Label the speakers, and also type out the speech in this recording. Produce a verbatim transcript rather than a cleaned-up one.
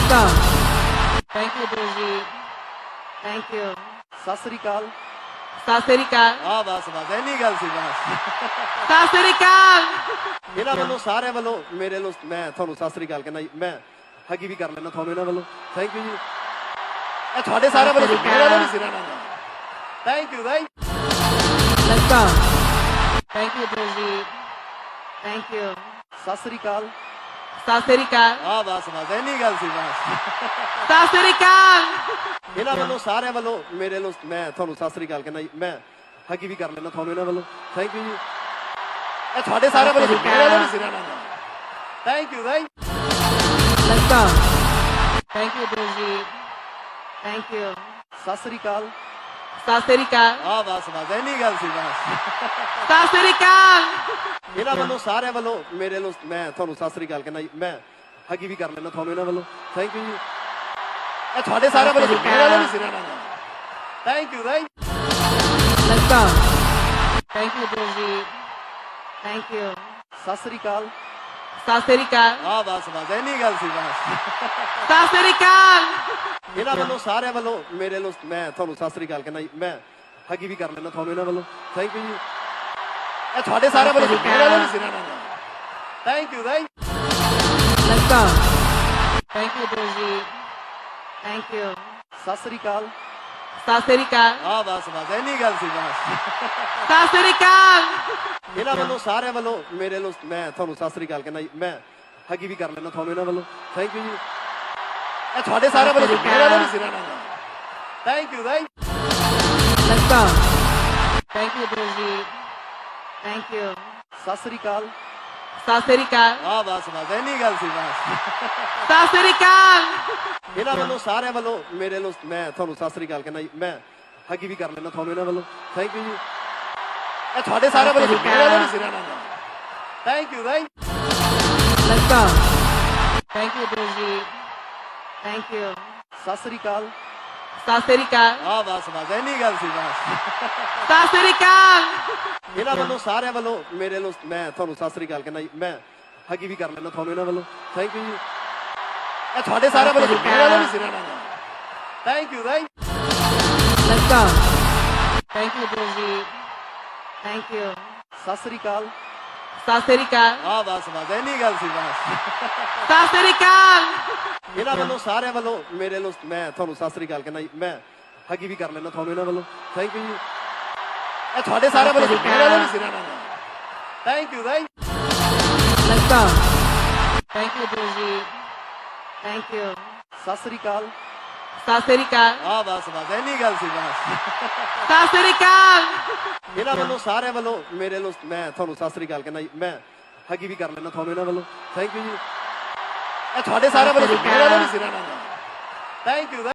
Speaker 1: Let's go. Thank you, Diljeet. Thank you.
Speaker 2: ਸਤਿ ਸ੍ਰੀ ਅਕਾਲ।
Speaker 1: ਸਤਿ ਸ੍ਰੀ ਅਕਾਲ।
Speaker 2: ਆ ਬਸ ਬਸ ਇੰਨੀ ਗੱਲ ਸੀ ਬਸ।
Speaker 1: ਸਤਿ ਸ੍ਰੀ ਅਕਾਲ।
Speaker 2: ਇਹਨਾਂ ਵੱਲੋਂ ਸਾਰਿਆਂ ਵੱਲੋਂ ਮੇਰੇ ਵੱਲੋਂ ਮੈਂ ਤੁਹਾਨੂੰ ਸਤਿ ਸ੍ਰੀ ਅਕਾਲ ਕਹਿੰਦਾ ਜੀ। ਮੈਂ ਹਗੀ ਵੀ ਕਰ ਲੈਣਾ ਤੁਹਾਨੂੰ ਇਹਨਾਂ ਵੱਲੋਂ। ਥੈਂਕ ਯੂ ਜੀ। ਇਹ ਤੁਹਾਡੇ ਸਾਰਿਆਂ ਵੱਲੋਂ ਸੀ, ਮੇਰੇ ਵੱਲੋਂ ਨਹੀਂ ਸੀ ਨਾ। Thank you thank
Speaker 1: Let's go. Thank you, Diljeet. Thank you.
Speaker 2: ਸਤਿ ਸ੍ਰੀ ਅਕਾਲ।
Speaker 1: ਸਤਿ ਸ੍ਰੀ ਅਕਾਲ।
Speaker 2: ਆ ਬਸ ਬਸ ਇੰਨੀ ਗੱਲ ਸੀ ਬਸ।
Speaker 1: ਸਤਿ ਸ੍ਰੀ ਅਕਾਲ।
Speaker 2: ਇਹਨਾਂ ਵੱਲੋਂ ਸਾਰਿਆਂ ਵੱਲੋਂ ਮੇਰੇ ਵੱਲੋਂ ਮੈਂ ਤੁਹਾਨੂੰ ਸਤਿ ਸ੍ਰੀ ਅਕਾਲ ਕਹਿੰਦਾ ਜੀ। ਮੈਂ ਹਗੀ ਵੀ ਕਰ ਲੈਣਾ ਤੁਹਾਨੂੰ ਇਹਨਾਂ ਵੱਲੋਂ। ਥੈਂਕ ਯੂ ਜੀ। ਇਹ ਤੁਹਾਡੇ ਸਾਰਿਆਂ ਵੱਲੋਂ ਸੀ, ਮੇਰੇ ਵੱਲੋਂ ਨਹੀਂ ਸੀ ਨਾ। Thank you thank
Speaker 1: Let's go. Thank you, Diljeet. Thank you.
Speaker 2: ਸਤਿ ਸ੍ਰੀ ਅਕਾਲ।
Speaker 1: ਸਤਿ ਸ੍ਰੀ ਅਕਾਲ।
Speaker 2: ਆ ਬਸ ਬਸ ਇੰਨੀ ਗੱਲ ਸੀ ਬਸ।
Speaker 1: ਸਤਿ ਸ੍ਰੀ ਅਕਾਲ।
Speaker 2: ਇਹਨਾਂ ਵੱਲੋਂ ਸਾਰਿਆਂ ਵੱਲੋਂ ਮੇਰੇ ਵੱਲੋਂ ਮੈਂ ਤੁਹਾਨੂੰ ਸਤਿ ਸ੍ਰੀ ਅਕਾਲ ਕਹਿੰਦਾ ਜੀ। ਮੈਂ ਹਗੀ ਵੀ ਕਰ ਲੈਣਾ ਤੁਹਾਨੂੰ ਇਹਨਾਂ ਵੱਲੋਂ। ਥੈਂਕ ਯੂ ਜੀ। ਇਹ ਤੁਹਾਡੇ ਸਾਰਿਆਂ ਵੱਲੋਂ ਸੀ, ਮੇਰੇ ਵੱਲੋਂ ਨਹੀਂ ਸੀ ਨਾ। Thank you thank
Speaker 1: Let's go. Thank you, Diljeet. Thank you.
Speaker 2: ਸਤਿ ਸ੍ਰੀ ਅਕਾਲ।
Speaker 1: ਸਤਿ ਸ੍ਰੀ ਅਕਾਲ।
Speaker 2: ਆ ਬਸ ਬਸ ਇੰਨੀ ਗੱਲ ਸੀ ਬਸ।
Speaker 1: ਸਤਿ ਸ੍ਰੀ ਅਕਾਲ।
Speaker 2: ਇਹਨਾਂ ਵੱਲੋਂ ਸਾਰਿਆਂ ਵੱਲੋਂ ਮੇਰੇ ਵੱਲੋਂ ਮੈਂ ਤੁਹਾਨੂੰ ਸਤਿ ਸ੍ਰੀ ਅਕਾਲ ਕਹਿੰਦਾ ਜੀ। ਮੈਂ ਹਗੀ ਵੀ ਕਰ ਲੈਣਾ ਤੁਹਾਨੂੰ ਇਹਨਾਂ ਵੱਲੋਂ। ਥੈਂਕ ਯੂ ਜੀ। ਇਹ ਤੁਹਾਡੇ ਸਾਰਿਆਂ ਵੱਲੋਂ ਸੀ, ਮੇਰੇ ਵੱਲੋਂ ਨਹੀਂ ਸੀ ਨਾ। Thank you thank
Speaker 1: Let's go. Thank you, Diljeet. Thank you.
Speaker 2: ਸਤਿ ਸ੍ਰੀ ਅਕਾਲ।
Speaker 1: ਸਤਿ ਸ੍ਰੀ ਅਕਾਲ।
Speaker 2: ਆ ਬਸ ਬਸ ਇੰਨੀ ਗੱਲ ਸੀ ਬਸ।
Speaker 1: ਸਤਿ ਸ੍ਰੀ ਅਕਾਲ।
Speaker 2: ਇਹਨਾਂ ਵੱਲੋਂ ਸਾਰਿਆਂ ਵੱਲੋਂ ਮੇਰੇ ਵੱਲੋਂ ਮੈਂ ਤੁਹਾਨੂੰ ਸਤਿ ਸ੍ਰੀ ਅਕਾਲ ਕਹਿੰਦਾ ਜੀ। ਮੈਂ ਹਗੀ ਵੀ ਕਰ ਲੈਣਾ ਤੁਹਾਨੂੰ ਇਹਨਾਂ ਵੱਲੋਂ। ਥੈਂਕ ਯੂ ਜੀ। ਇਹ ਤੁਹਾਡੇ ਸਾਰਿਆਂ ਵੱਲੋਂ ਸੀ, ਮੇਰੇ ਵੱਲੋਂ ਨਹੀਂ ਸੀ ਨਾ। Thank you thank
Speaker 1: Let's go. Thank you, Diljeet. Thank you.
Speaker 2: ਸਤਿ ਸ੍ਰੀ ਅਕਾਲ।
Speaker 1: ਸਤਿ ਸ੍ਰੀ ਅਕਾਲ।
Speaker 2: ਆ ਬਸ ਬਸ ਇੰਨੀ ਗੱਲ ਸੀ ਬਸ।
Speaker 1: ਸਤਿ ਸ੍ਰੀ ਅਕਾਲ।
Speaker 2: ਇਹਨਾਂ ਵੱਲੋਂ ਸਾਰਿਆਂ ਵੱਲੋਂ ਮੇਰੇ ਵੱਲੋਂ ਮੈਂ ਤੁਹਾਨੂੰ ਸਤਿ ਸ੍ਰੀ ਅਕਾਲ ਕਹਿੰਦਾ ਜੀ। ਮੈਂ ਹਗੀ ਵੀ ਕਰ ਲੈਣਾ ਤੁਹਾਨੂੰ ਇਹਨਾਂ ਵੱਲੋਂ। ਥੈਂਕ ਯੂ ਜੀ। ਇਹ ਤੁਹਾਡੇ ਸਾਰਿਆਂ ਵੱਲੋਂ ਸੀ, ਮੇਰੇ ਵੱਲੋਂ ਨਹੀਂ ਸੀ ਨਾ। Thank you thank
Speaker 1: Let's go. Thank you, Diljeet. Thank you.
Speaker 2: ਸਤਿ ਸ੍ਰੀ ਅਕਾਲ।
Speaker 1: ਸਤਿ ਸ੍ਰੀ ਅਕਾਲ।
Speaker 2: ਆ ਬਸ ਬਸ ਇੰਨੀ ਗੱਲ ਸੀ ਬਸ।
Speaker 1: ਸਤਿ ਸ੍ਰੀ ਅਕਾਲ।
Speaker 2: ਇਹਨਾਂ ਵੱਲੋਂ ਸਾਰਿਆਂ ਵੱਲੋਂ ਮੇਰੇ ਵੱਲੋਂ ਮੈਂ ਤੁਹਾਨੂੰ ਸਤਿ ਸ੍ਰੀ ਅਕਾਲ ਕਹਿੰਦਾ ਜੀ। ਮੈਂ ਹਗੀ ਵੀ ਕਰ ਲੈਣਾ ਤੁਹਾਨੂੰ ਇਹਨਾਂ ਵੱਲੋਂ। ਥੈਂਕ ਯੂ ਜੀ। ਇਹ ਤੁਹਾਡੇ ਸਾਰਿਆਂ ਵੱਲੋਂ ਸੀ, ਮੇਰੇ ਵੱਲੋਂ ਨਹੀਂ ਸੀ ਨਾ। Thank you thank
Speaker 1: Let's go. Thank you, Diljeet. Thank you.
Speaker 2: ਸਤਿ ਸ੍ਰੀ ਅਕਾਲ।
Speaker 1: ਸਤਿ ਸ੍ਰੀ ਅਕਾਲ।
Speaker 2: ਆ ਬਸ ਬਸ ਇੰਨੀ ਗੱਲ ਸੀ ਬਸ।
Speaker 1: ਸਤਿ ਸ੍ਰੀ ਅਕਾਲ।
Speaker 2: ਇਹਨਾਂ ਵੱਲੋਂ ਸਾਰਿਆਂ ਵੱਲੋਂ ਮੇਰੇ ਵੱਲੋਂ ਮੈਂ ਤੁਹਾਨੂੰ ਸਤਿ ਸ੍ਰੀ ਅਕਾਲ ਕਹਿੰਦਾ ਜੀ। ਮੈਂ ਹਗੀ ਵੀ ਕਰ ਲੈਣਾ ਤੁਹਾਨੂੰ ਇਹਨਾਂ ਵੱਲੋਂ। ਥੈਂਕ ਯੂ ਜੀ। ਇਹ ਤੁਹਾਡੇ ਸਾਰਿਆਂ ਵੱਲੋਂ ਸੀ, ਮੇਰੇ ਵੱਲੋਂ ਨਹੀਂ ਸੀ ਨਾ। Thank you thank
Speaker 1: Let's go. Thank you, Diljeet. Thank you.
Speaker 2: ਸਤਿ ਸ੍ਰੀ ਅਕਾਲ।
Speaker 1: ਸਤਿ ਸ੍ਰੀ ਅਕਾਲ।
Speaker 2: ਆ ਬਸ ਬਸ ਇੰਨੀ ਗੱਲ ਸੀ ਬਸ।
Speaker 1: ਸਤਿ ਸ੍ਰੀ ਅਕਾਲ।
Speaker 2: ਇਹਨਾਂ ਵੱਲੋਂ ਸਾਰਿਆਂ ਵੱਲੋਂ ਮੇਰੇ ਵੱਲੋਂ ਮੈਂ ਤੁਹਾਨੂੰ ਸਤਿ ਸ੍ਰੀ ਅਕਾਲ ਕਹਿੰਦਾ ਜੀ। ਮੈਂ ਹਗੀ ਵੀ ਕਰ ਲੈਣਾ ਤੁਹਾਨੂੰ ਇਹਨਾਂ ਵੱਲੋਂ। ਥੈਂਕ ਯੂ ਜੀ। ਇਹ ਤੁਹਾਡੇ ਸਾਰਿਆਂ ਵੱਲੋਂ ਸੀ, ਮੇਰੇ ਵੱਲੋਂ ਨਹੀਂ ਸੀ ਨਾ। Thank you.